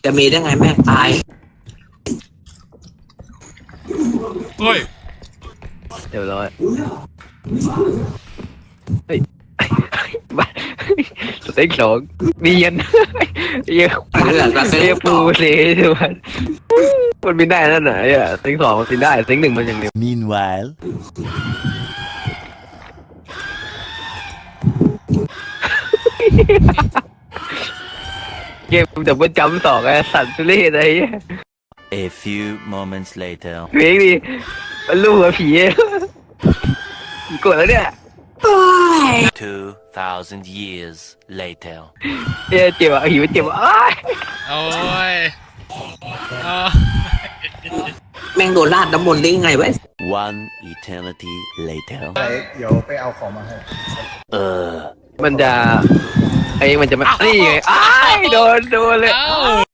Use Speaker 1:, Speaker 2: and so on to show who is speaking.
Speaker 1: จะมีได้ไงแม่งตาย
Speaker 2: เฮ้ย
Speaker 3: เดี๋ยวรอเฮ้ยบ้าสเต็กสองเนียนเยอะเรียกปูเลยใช่ไหมมันบินได้นั่นไหนอ่ะสเต็กสองมันบินได้สเต็กหนึ่งมันอย่างเดียว
Speaker 4: Meanwhile,
Speaker 3: เกมดับเบิลจัมป์สองไอ้สัตว์ทุเรศอะไรเงี้ย
Speaker 4: a few moments later.
Speaker 3: เฮ้ยดิมันลูกกับผีกดแล้วเนี่ย
Speaker 4: 2,000 years later.
Speaker 3: เจ็บอ่ะหิวเจ็บอ่ะ
Speaker 2: โอ้ยโอ้
Speaker 1: แม่งโดนราดน้ำมนต์ได้ไงวะ
Speaker 4: One eternity later.
Speaker 5: เดี๋ยวไปเอาของมาให้
Speaker 3: มันจะมันจะไม่นี่ไงโดนเลย
Speaker 2: เอ้า